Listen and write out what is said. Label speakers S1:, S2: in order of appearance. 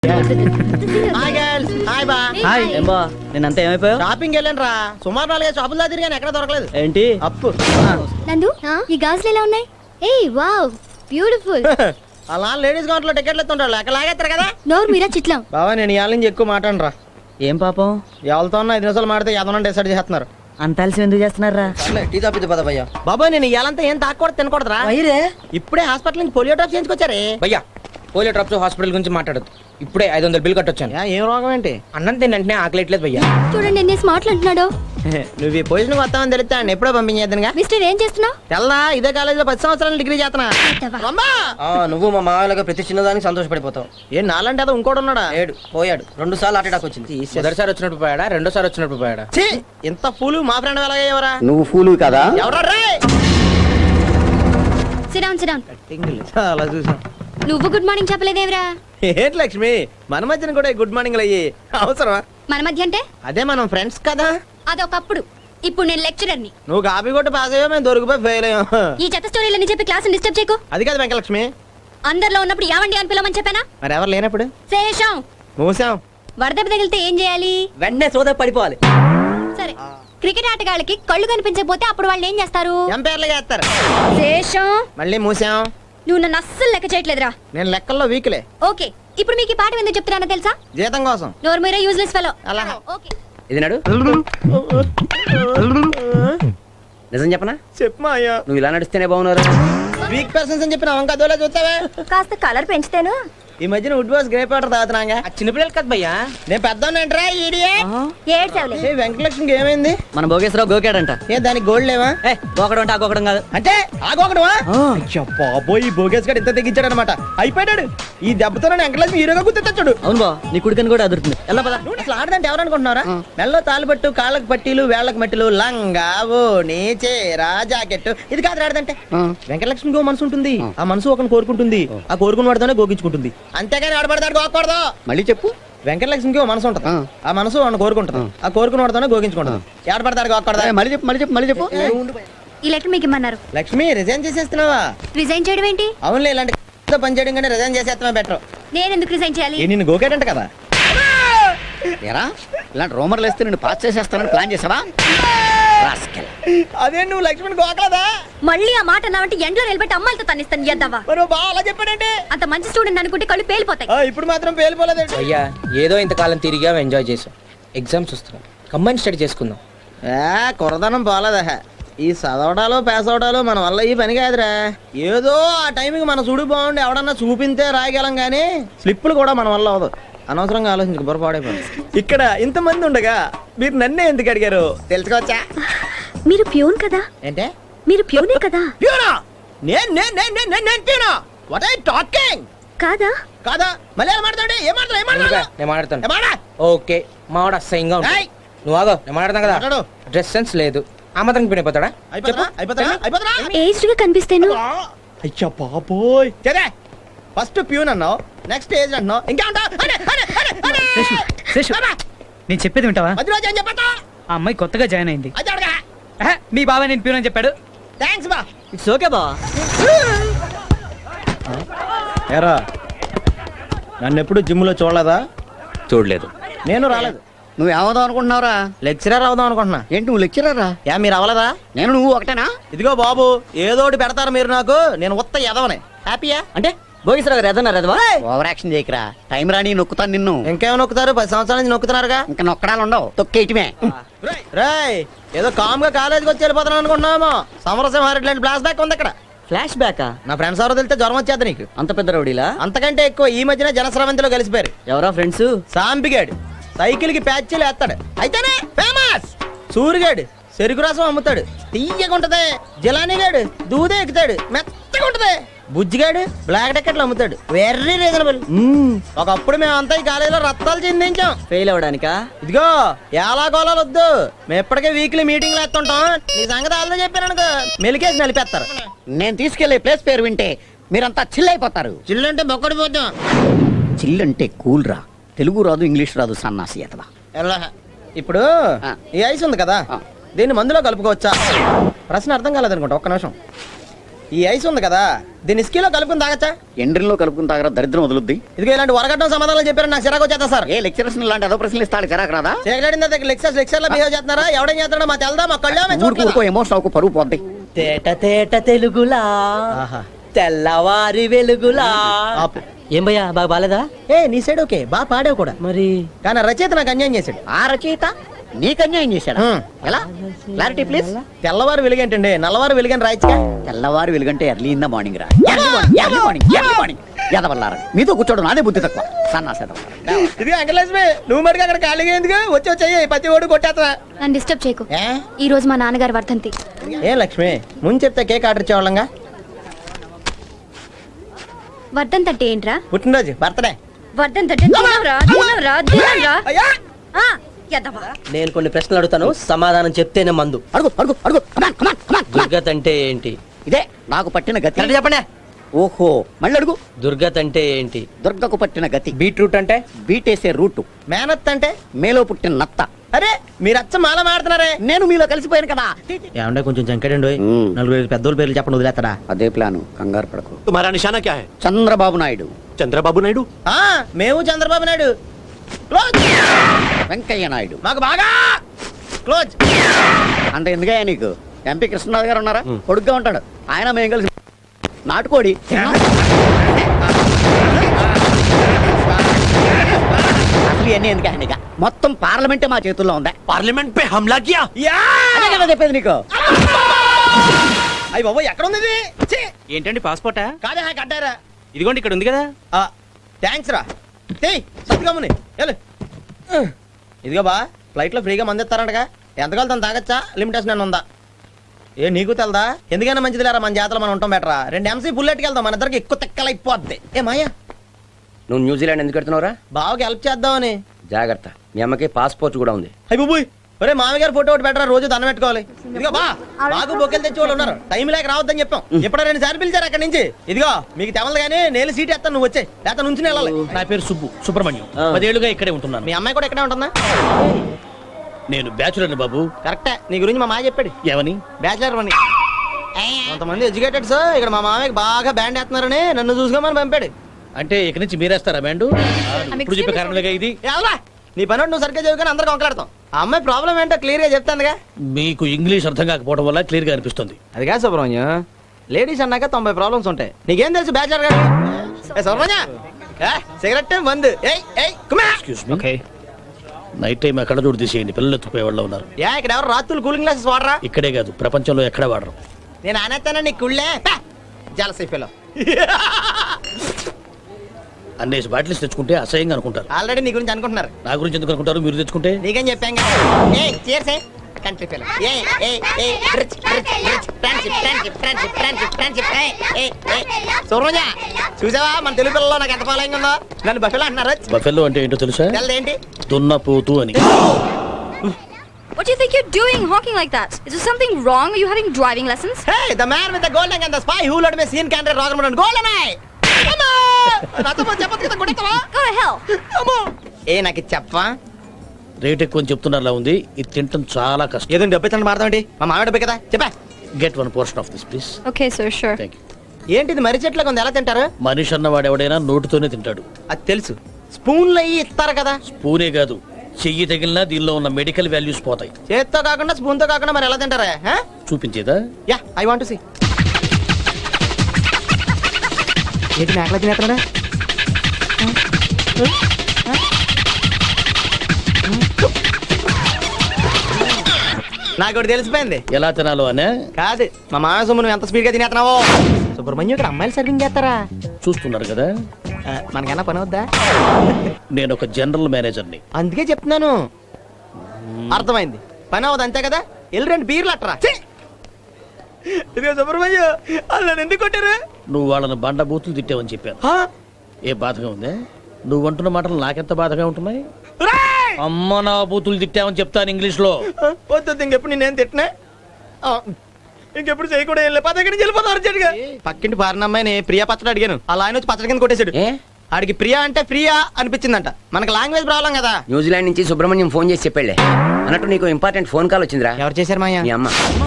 S1: Hi girls, hi బా.
S2: Hi ఏం బా నేనంతా ఏమైపోయావు?
S1: షాపింగ్ వెళ్ళాను రా, సుమారు 4 షాపులు దా తిరిగాను, ఎక్కడ దొరకలేదు.
S2: ఏంటి
S1: అప్పు
S3: నందు ఈ గాజులు ఎలా ఉన్నాయి? ఏయ్ వావ్ బ్యూటిఫుల్.
S1: అలా లేడీస్ కౌంటర్ లో టికెట్లు ఎత్తుంటారు, ఎక్కడ లాగేస్తారు కదా.
S3: నోరు మీరా చిట్లం.
S1: బాబా నేను ఇవాళ నుంచి ఎక్కువ మాట్లాడను రా.
S2: ఏం పాపం
S1: ఎవరితో 5 నిమిషాలు మాడితే ఏదన్నా డిసైడ్ చేస్తున్నారు.
S2: అంత అలసి ఎందుకు చేస్తున్నారా?
S4: టీ తాపిద్దు పద భయ్యా.
S1: బాబా నేను ఇవాళంతా ఏం తాకూడదు తినకూడదురా. ఇప్పుడే హాస్పిటల్ నుంచి పోలియో డ్రాప్ చేయించుకొచ్చారే.
S4: భయ్యా పోలియో డ్రాప్స్ హాస్పిటల్ గురించి మాట్లాడదు. ఇప్పుడే 500 బిల్ కట్టొచ్చాను.
S1: ఏం రోగం ఏంటి?
S4: అన్నం తిని వెంటనే ఆకలేట్లేదు భయ్యా.
S3: చూడండి ఎన్ని స్మార్ట్లు అంటున్నాడు.
S1: నువ్వు ఈ పొజిషన్ వస్తామని తెలిస్తే ఆయన ఎప్పుడో పంపించేద్దనుగా.
S3: మిస్టర్ ఏం చేస్తున్నావు?
S1: తెల్లా ఇదే కాలేజీలో 10 సంవత్సరాలు డిగ్రీ చేస్తున్నా. అమ్మా!
S4: నువ్వు మా మామయ్యగా ప్రతి చిన్నదానికి సంతోషపడిపోతావు.
S1: ఏం నాలంటే అదో ఇంకోటి ఉన్నాడా?
S4: ఏడు పోయాడు. 2 సార్లు హార్ట్ అటాక్ వచ్చింది. మొదటిసారి వచ్చినప్పుడు పోయాడా, రెండోసారి వచ్చినప్పుడు పోయాడా?
S1: ఛీ! ఇంత ఫూలు మా ఫ్రెండ్ ఎలాగయ్యేవరా?
S5: నువ్వు ఫూలు కదా?
S1: ఎవరా రే?
S3: Sit down sit down.
S1: చాలా చూసాం.
S3: నువ్వు గుడ్ మార్నింగ్ చెప్పలేదేవరా?
S1: ఏంటి లక్ష్మి, మన మధ్యన కూడా గుడ్ మార్నింగ్ అయ్యి అవసరమా?
S3: మన మధ్య అంటే
S1: అదే మనం ఫ్రెండ్స్ కదా.
S3: అదొకప్పుడు. ఇప్పుడు నేను లెక్చరర్ని.
S1: నువ్వు కాపీ కొట్టి పాస్ అయ్యో, మేము దొరికిపోయి ఫెయిల్ అయ్యాం.
S3: ఈ చెత్త స్టోరీలని చెప్పి క్లాస్ డిస్టర్బ్ చేయకు.
S1: అది కాదు వెంకలక్ష్మి.
S3: అందరిలో ఉన్నప్పుడు యావండి అని పిలవమని చెప్పానా?
S1: మరి ఎవరు లేనప్పుడు
S3: శేషం
S1: మూసాం.
S3: వరదెబ్బ తగిలితే ఏం చేయాలి?
S2: వెంటనే సోద పడిపోవాలి.
S3: సరే, క్రికెట్ ఆటగాళ్ళకి కళ్ళు కనిపించకపోతే అప్పుడు వాళ్ళు ఏం చేస్తారు?
S1: ఎంపైర్లుగా వేస్తారు.
S3: శేషం
S1: మళ్ళీ మూసాం.
S3: నువ్వు నన్ను అస్సలు లెక్క చేయట్లేదురా.
S1: నేను లెక్కల్లో వీక్లే.
S3: ఓకే, ఇప్పుడు మీకు ఈ పాఠం ఎందుకు చెప్తున్నానో తెలుసా?
S1: జీతం కోసం.
S3: నోరు మీరే యూజ్లెస్ ఫెలో.
S1: అలా.
S3: ఓకే.
S4: ఇది నాడు నిజం చెప్పనా?
S1: చెప్పమా అయ్యా.
S4: నువ్వు ఇలా నడిస్తేనే బాగున్నారు.
S1: వీక్ పర్సన్స్ అని చెప్పిన వంక అదోలా చూస్తావే.
S3: కాస్త కలర్ పెంచుతాను.
S1: ఈ మధ్యన వుడ్ బాస్ గ్రేప్ వాటర్ తాగుతున్నాగా.
S4: చిన్నపిల్లలు కదా భయ్యా.
S1: నేను పెద్దోనంటరా ఈడియట్.
S3: ఏడ్చావులే.
S1: ఏ వెంకటలక్ష్మికి ఏమైంది?
S2: మన భోగేశ్వరరావు గోకాడంట.
S1: ఏ దానికి గోల్డ్ లేవా?
S2: గోకడం అంటే ఆ గోకడం కాదు.
S1: అంటే ఆగోకడమా? బాబోయ్, ఈ భోగేష్ గారు ఇంత తెగించాడు అనమాట. అయిపోయాడు. ఈ దెబ్బతో వెంకటలక్ష్మి హీరోగా గుర్తొచ్చాడు.
S2: అవును బా, నీ కుడికని కూడా అదురుతుంది. ఎలా పద.
S1: అసలు ఆడదంటే ఎవరు అనుకుంటున్నారా? మెల్లో తాలిపట్టు, కాళ్ళకు పట్టీలు, వేళ్లకు మట్టిలు, లంగా, ఓణి, చీర, జాకెట్. ఇది కాదు ఆడదంటే. వెంకటలక్ష్మికి మనసు ఉంటుంది. ఆ మనసు ఒకరిని కోరుకుంటుంది. ఆ కోరుకున్న వాడితోనే గోకించుకుంటుంది. అంతేగాని ఆడబడతాడు గోకూడదు.
S5: మళ్ళీ చెప్పు.
S1: వెంకటలక్ష్మికి మనసు ఉంటుంది. ఆ మనసు వాడిని కోరుకుంటుంది. ఆ కోరుకున్న వాడితోనే గోకించుకుంటుంది. ఆడబడతాడు గోకూడదు.
S5: మళ్ళీ చెప్పు.
S3: ఈ లెటర్ మీకు ఇమ్మన్నారు.
S1: లక్ష్మి రిజైన్ చేసేస్తున్నావా?
S3: రిజైన్ చేయడం ఏంటి?
S1: అవునులే, ఇలాంటి పని చేయడం కంటే రిజైన్ చేసేస్తామే బెటర్.
S3: నేను ఎందుకు రిజైన్ చేయాలి?
S1: నిన్ను గోకేటంట కదా.
S5: ఎరా ఇలాంటి రూమర్లు వేస్తే నేను పాస్ చేసేస్తానని ప్లాన్ చేసావా?
S1: అదే నువ్వు లక్ష్మిని గోకలేదా?
S3: మళ్ళీ ఆ మాట అన్నావంటే ఎండ్లో నిలబెట్టి అమ్మాయిలతో తన్నిస్తాను. ఎద్దావా?
S1: మరి బాగా అలా చెప్పాడంటే.
S3: అంత మంచి స్టూడెంట్ అనుకుంటే కళ్ళు పేలిపోతాయి.
S1: ఇప్పుడు మాత్రం పేలిపోలేదు.
S4: భయ్యా ఏదో ఇంతకాలం తిరిగా ఎంజాయ్ చేసాం. ఎగ్జామ్స్ వస్తున్నాం, కంబైన్ స్టడీ చేసుకుందాం.
S1: కొరదనం పోలేదా? ఈ చదవడాలు పాస్ అవడాలు మన వల్ల ఈ పని కాదురా. ఏదో ఆ టైంకి మన చూడు బాగుండి ఎవడన్నా చూపింతే రాయగలం గానీ స్లిప్పులు కూడా మన వల్ల అవదు. అనవసరంగా ఆలోచించుకు బొరపాడైపోయింది. ఇక్కడ ఇంతమంది ఉండగా మీరు నన్నే ఎందుకు అడిగారు తెలుసుకోవచ్చా?
S3: మీరు ప్యూన్ కదా?
S1: ఏంటే?
S3: మీరు ప్యూనే కదా?
S1: ప్యూనా? నేను ప్యూనా? What are you talking?
S3: కాదా?
S1: కాదా? మళ్ళీ ఏం మాట్లాడు? ఏం మాట్లాడు?
S4: నేను మాట్లాడతాను. ఓకే, మావాడు అసహ్యంగా ఉంటాడు.
S1: ఏయ్!
S4: నువ్వు ఆగో, నేను మాట్లాడతాను కదా.
S1: మాట్లాడు.
S4: డ్రెస్ సెన్స్ లేదు. ఆ మాత్రం పినిపోతాడా?
S3: ఏజ్డ్ గా కనిపిస్తాను.
S1: అయ్యా బాబోయ్. సరే, ఫస్ట్ ప్యూన్ అన్నావు, నెక్స్ట్ ఏజ్ అంటున్నావు, ఇంకా
S6: నేను చెప్పేది వింటావా? ఆ అమ్మాయి కొత్తగా జాయిన్ అయింది. మీ బాబాయ్ నేను ప్యూన్ అని చెప్పాడు.
S1: థ్యాంక్స్ బా.
S2: ఇట్స్ ఓకే బా.
S1: ఎరా నన్ను ఎప్పుడు జిమ్ లో చూడలేదా?
S5: చూడలేదు.
S1: నేను రాలేదు.
S5: నువ్వు ఏమవుదాం అనుకుంటున్నావురా?
S1: లెక్చరర్ అవుదాం అనుకుంటున్నా.
S5: ఏంటి నువ్వు లెక్చరరా?
S1: మీరు అవ్వలేదా?
S5: నేను నువ్వు ఒకటేనా?
S1: ఇదిగో బాబు, ఏదోటి పెడతారు మీరు నాకు. నేను ఉత్త ఎదవనే. హ్యాపీయా?
S2: అంటే భోగేశ్వరరావు గారు ఎదన్నారు ఎదవా?
S5: Over action చేయకరా. టైం రాని నొక్కుతాను నిన్ను.
S1: ఇంకేమో నొక్కుతారు? 10 సంవత్సరాల నుంచి నొక్కుతున్నారుగా.
S5: ఇంకా నొక్కడాలు ఉండవు, తొక్కేయటమే.
S1: రేయ్, ఏదో కామ్ గా కాలేజీకి వచ్చి వెళ్ళిపోతున్నాను అనుకుంటున్నామో. సమరసింహారెడ్డి లాంటి ఫ్లాష్ బ్యాక్ ఉంది అక్కడ.
S2: ఫ్లాష్ బ్యాకా?
S1: నా ఫ్రెండ్స్ ఎవరో తెలితే జ్వరం వచ్చేది నీకు.
S2: అంత పెద్ద రౌడీలా?
S1: అంతకంటే ఎక్కువ ఈ మధ్యన జనస్రవంతిలో కలిసిపోయారు.
S2: ఎవరా ఫ్రెండ్స్?
S1: సాంబిగాడు సైకిల్ కి ప్యాచ్లు వేస్తాడు, అయితేనే ఫేమస్. సూరిగాడు చెరుకు రసం అమ్ముతాడు, తీయగుంటది. జిలానీగాడు దూదే ఎక్కుతాడు, మెత్తగా ఉంటది. బుజ్జిగాడు బ్లాక్ టికెట్లు అమ్ముతాడు, వెరీ రీజనబుల్. ఒకప్పుడు మేమంతా ఈ కాలేజీలో రత్తాలు చిందించాం.
S2: ఫెయిల్ అవడానికా?
S1: ఇదిగో ఎలా గోళాలు వద్దు, మేము ఎప్పటికే వీక్లీ మీటింగ్లు వేస్తుంటాం. నీ సంగతి వాళ్ళతో చెప్పాను అనుకో, మెలికేసి నలిపేస్తారు.
S5: నేను తీసుకెళ్లే ప్లేస్ పేరు వింటే మీరంతా చిల్ అయిపోతారు.
S1: చిల్లంటే బొక్కడిపోతాం.
S5: చిల్ అంటే కూల్ రా. తెలుగు రాదు, ఇంగ్లీష్ రాదు, సన్నాసి అతవా.
S1: ఇప్పుడు ఈ ఐస్ ఉంది కదా, దీన్ని మందులో కలుపుకోవచ్చా? ప్రశ్న అర్థం కాలేదనుకుంటా, ఒక్క నిమిషం. ఈ ఐస్ ఉంది కదా దీన్ని ఇస్కీలో కలుపుకుని తాగచ్చా?
S5: ఎండ్రిలో కలుపుకుని తాగరా, దరిద్రం వదులుద్ది.
S1: ఇదిగో ఇలాంటి వరగడ్డం సమాధానాలు చెప్పారు నాకు చిరాకు వచ్చేస్తా సార్.
S5: ఏ లెక్చరర్స్ ఇలాంటి ఏదో ప్రశ్నలు ఇస్తాడు చిరాకు రాదా?
S1: చేయగలిగిన దగ్గర లెక్చర్ లో బిహేవ్ చేస్తున్నారా? ఎవడేం చేస్తున్నాడో మా తెలదా, మా కళ్ళే
S5: ఊరుకో ఎమోషన్ అవ్వకు, పరువు పోద్ది.
S2: తేట తేట తెలుగులా తెల్లవారి వెలుగులా. ఏం భయ్యా బాగా బాలేదా?
S1: ఏ నీ సైడ్ ఓకే బాగా పాడావు కూడా,
S2: మరి
S1: కానీ రచయిత నాకు అన్యాయం చేశాడు.
S5: ఆ రచయిత నీకు అన్యాయం చేశాడా? ఎలా? Clarity please.
S1: తెల్లవారు వెలుగేంటండి, నల్లవారు వెలుగని రాయచ్చుగా.
S5: తెల్లవారు వెలుగంటే ఎర్లీ ఇన్ ద మార్నింగ్ రా. ఎర్లీ మార్నింగ్ ఎదవల్లారా, మీతో కూర్చోడు నాదే బుద్ధి తక్కువ. సన్నాసేద
S1: ఇది అంకలక్ష్మి, నువ్వు మటుకు అక్కడ ఖాళీగా ఎందుకు వచ్చి ప్రతి ఓడు కొట్టేస్తా.
S3: నన్ను డిస్టర్బ్ చేయకు.
S1: ఏ?
S3: ఈ రోజు మా నాన్నగారు వర్ధంతి.
S1: ఏ లక్ష్మి, ముందు చెప్తే కేక్ ఆర్డర్ ఇచ్చేవాళ్ళంగా.
S3: వర్ధంతి అంటే ఏంట్రా?
S1: పుట్టినరోజు, బర్త్డే.
S3: వర్ధంతి అంటే తినరా.
S1: అయ్యా
S3: ఆ, ఎదవా.
S2: నేను కొన్ని ప్రశ్నలు అడుగుతాను, సమాధానం చెప్తేనే మందు.
S5: అడుగు అడుగు అడుగు. Come on, come on, come on.
S2: దుర్గత్ అంటే ఏంటి?
S5: ఇదే నాకు పట్టిన గతి.
S2: కరెక్ట్ చెప్పండి.
S5: ఓహో మళ్ళీ అడుగు.
S2: దుర్గత్ అంటే ఏంటి?
S5: దుర్గకు పట్టిన గతి.
S4: బీట్రూట్ అంటే
S5: బీటేసే రూటు.
S1: మేనత్ అంటే?
S5: మేలో పుట్టిన నత్త.
S1: అరే మీరు అచ్చ మాల మాడుతున్నారే.
S5: నేను మీలో కలిసిపోయాను కదా.
S1: ఏమంటే కొంచెం జంకడండి, నలుగురు పెద్దోళ్ళ పేర్లు చెప్పండి వదిలేస్తాడా?
S5: అదే ప్లాను, కంగారు పడకు.
S7: तुम्हारा निशाना क्या है?
S5: చంద్రబాబు నాయుడు.
S7: चंद्रबाबू नायडू।
S1: ఆ, మేము చంద్రబాబు నాయుడు. క్లోజ్.
S5: వెంకయ్య నాయుడు.
S1: మాకు బాగా క్లోజ్.
S5: అంటే ఎందుకయ్యా నీకు? ఎంపీ కృష్ణరాజు గారు ఉన్నారా, కొడుగ్గా ఉంటాడు. ఆయన మేము కలిసి నాటుకోడి. అసలు ఇవన్నీ ఎందుకు ఆయన? మొత్తం పార్లమెంటే మా చేతుల్లో ఉందా?
S7: पार्लियामेंट पे हमला किया।
S1: యా!
S5: అదే కదా చెప్పేది నీకు.
S1: అయ్య బాబు ఎక్కడ ఉంది ఇది? ఛీ!
S6: ఏంటండి పాస్పోర్టా?
S1: కాదే కట్టారా?
S6: ఇదిగోండి ఇక్కడ ఉంది కదా.
S1: థ్యాంక్స్ రా. సత్తుగమ్ముని ఇదిగో బా, ఫ్లైట్ లో ఫ్రీగా మంది ఇస్తారంటగా. ఎంత కావాలి తాగచ్చా? లిమిటేషన్ అని ఉందా? ఏ నీకు తెలదా? ఎందుకైనా మంచిది లేరా, మన జాతరలో మనం ఉంటాం బెటరా. 2 MC బుల్లెట్కి వెళ్దాం, మన ఇద్దరికి ఎక్కువ తెక్కలైపోద్ది. ఏ మాయా,
S8: నువ్వు న్యూజిలాండ్ ఎందుకు పెడుతున్నావురా?
S1: బావకి హెల్ప్ చేద్దామని.
S8: జాగ్రత్త, మీ అమ్మకి పాస్పోర్ట్ కూడా ఉంది.
S1: అయ్యి బుబ్బుయ్, ఒరే మామయ్య గారు ఫోటో ఒకటి పెట్టరా, రోజు దండం పెట్టుకోవాలి. ఇదిగో బా, బాగు బొక్కలు తెచ్చి వాళ్ళు ఉన్నారు, టైం లేక రావద్దని చెప్పాం. ఇప్పుడు 2 సార్లు పిలిచారు అక్కడి నుంచి. ఇదిగో మీకు తెవలదు కానీ నేను సీట్ ఎత్తాను, నువ్వు వచ్చే లేకపోతే నుంచి వెళ్ళాలి.
S9: నా పేరు సుబ్రహ్మణ్యం. 10 ఏళ్లుగా ఇక్కడే ఉంటున్నాను.
S1: మీ అమ్మాయి కూడా ఇక్కడే ఉంటుందా?
S9: నేను బ్యాచులర్ బాబు.
S1: కరెక్టే, నీ గురించి మా మాయ చెప్పాడు.
S9: ఏమని?
S1: బ్యాచిలర్ అని. కొంతమంది ఎడ్యుకేటెడ్స్ ఇక్కడ మా మామయ్యకి బాగా బ్యాండ్ వేస్తున్నారని నన్ను చూసుకోమని పంపాడు.
S9: అంటే ఇక్కడి నుంచి మీరేస్తారా బ్యాండ్? ఇప్పుడు చెప్పే కారణంగా ఇది.
S1: ఎలా నీ పని నువ్వు సరిగ్గా చదువుకొని అందరికి వంకలాడతాం. ఆ అమ్మాయి ప్రాబ్లం ఏంటో క్లియర్ గా చెప్తానుగా.
S9: మీకు ఇంగ్లీష్ అర్థం కాకపోవడం వల్ల క్లియర్ గా అనిపిస్తుంది.
S1: అదిగా సుబ్రహ్మణ్యం, లేడీస్ అన్నాక 90 ప్రాబ్లమ్స్ ఉంటాయి. నీకేం తెలుసు బ్యాచిలర్ గారు? సుబ్రహ్మణ్య సిగరెట్ మందు.
S9: Excuse me. Okay, night time ఎక్కడ చూడు తీసేయండి, పిల్లలు ఎత్తుకుపోయే వాళ్ళు ఉన్నారు.
S1: ఇక్కడ ఎవరు రాత్రులు కూలింగ్ గ్లాసెస్ వాడరా?
S9: ఇక్కడే కాదు, ప్రపంచంలో ఎక్కడ వాడరు.
S1: నేను అనేస్తానా నీ కుళ్ళే జలసైపోలో.
S9: అన్నేసి బాటిల్స్ తెచ్చుకుంటే అసహ్యంగా అనుకుంటారు.
S1: ఆల్రెడీ నీ గురించి అనుకుంటున్నారు.
S9: నా గురించి ఎందుకు అనుకుంటారు? మీరు తెచ్చుకుంటే
S1: నీకేం చెప్పాం కంట్రీ ఫెలో. సుబ్రహ్మణ్య చూసావా మన తెలుగు పిల్లల్లో నాకు ఎంత ఫాలోయింగ్ ఉందో? నన్ను బఫెలో అంటున్నారు.
S9: బఫెల్లో అంటే ఏంటో తెలుసా?
S1: ఏంటి?
S9: దున్నపోతు అని.
S3: What do you think you're doing honking like that? Is there something wrong? Are you having driving lessons?
S1: Hey, the man with the gold ring and the spy who let me see in Canada Rogerman golden eye. అమ్మా! నాతో పాటు చెప్పొచ్చు కదా, కొట్టేస్తావా?
S3: Go to hell.
S1: అమ్మో! నాకు చెప్పవా?
S9: Rate ఎక్కువ అని చెప్తున్నారా ఉంది. ఇది తినటం చాలా కష్టం.
S1: ఏదో డబ్బు ఇచ్చండి మాడతామండి, మా మామిడి డబ్బే కదా. చెప్పా.
S9: Get 1 portion of this please.
S3: Okay, sir, sure.
S9: Thank you.
S1: ఏంటిది మర్రి చెట్లకు ఉంది, ఎలా తింటారు?
S9: మనిషి అన్నవాడు ఎవడైనా నోటితోనే తింటాడు.
S1: అది తెలుసు. స్పూన్లు అయ్యి ఇస్తారు కదా.
S9: స్పూనే కాదు, చెయ్యి తగిలినా దీనిలో ఉన్న మెడికల్ వాల్యూస్ పోతాయి.
S1: చేత్తో కాకుండా స్పూన్ తో కాకుండా మరి ఎలా తింటారా?
S9: చూపించేదా?
S1: Yeah, I want to see. ఏంటి మేకలా తినేస్తున్నాడా? నాకు ఒకటి తెలిసిపోయింది.
S9: ఎలా తినాలో అనే
S1: కాదు, మా మామ సొమ్ము నువ్వు ఎంత స్పీడ్ గా తినేస్తున్నావో. సుబ్రహ్మణ్యం ఇక్కడ అమ్మాయిలు సర్వింగ్ చేస్తారా?
S9: చూస్తున్నారు కదా.
S1: మనకన్నా పని వద్దా?
S9: నేను ఒక జనరల్ మేనేజర్ని.
S1: అందుకే చెప్తున్నాను. అర్థమైంది, పని అవ్వదు అంతే కదా. వెళ్ళి 2 బీర్లు అట్టరా. ఇదిగో సుబ్రహ్మణ్యం, వాళ్ళు ఎందుకు కొట్టారు?
S9: నువ్వు వాళ్ళని బండ బూతులు తిట్టావని చెప్పాను. ఏ బాధగా ఉందే? నువ్వు అంటున్న మాటలు నాకెంత బాధగా ఉంటున్నాయి. అమ్మ నా బూతులు తిట్టావని చెప్తాను ఇంగ్లీష్ లో.
S1: వద్దు, ఇంకెప్పుడు నేనేం తిట్టినా, ఇంకెప్పుడు చేయకూడదు. వెళ్ళి పదకి వెళ్ళిపోతారు. పక్కింటి పారినమ్మాయిని ప్రియా పచ్చడి అడిగాను, అలా ఆయన వచ్చి పచ్చడి కింద కొట్టేశాడు. ఆడికి ప్రియా అంటే ప్రియా అనిపించిందంట. మనకి లాంగ్వేజ్ ప్రాబ్లం కదా.
S8: న్యూజిలాండ్ నుంచి సుబ్రహ్మణ్యం ఫోన్ చేసి చెప్పాళ్లే. అన్నట్టు నీకు ఇంపార్టెంట్ ఫోన్ కాల్ వచ్చిందిరా.
S1: ఎవరు చేశారు మాయా?
S8: మీ అమ్మ.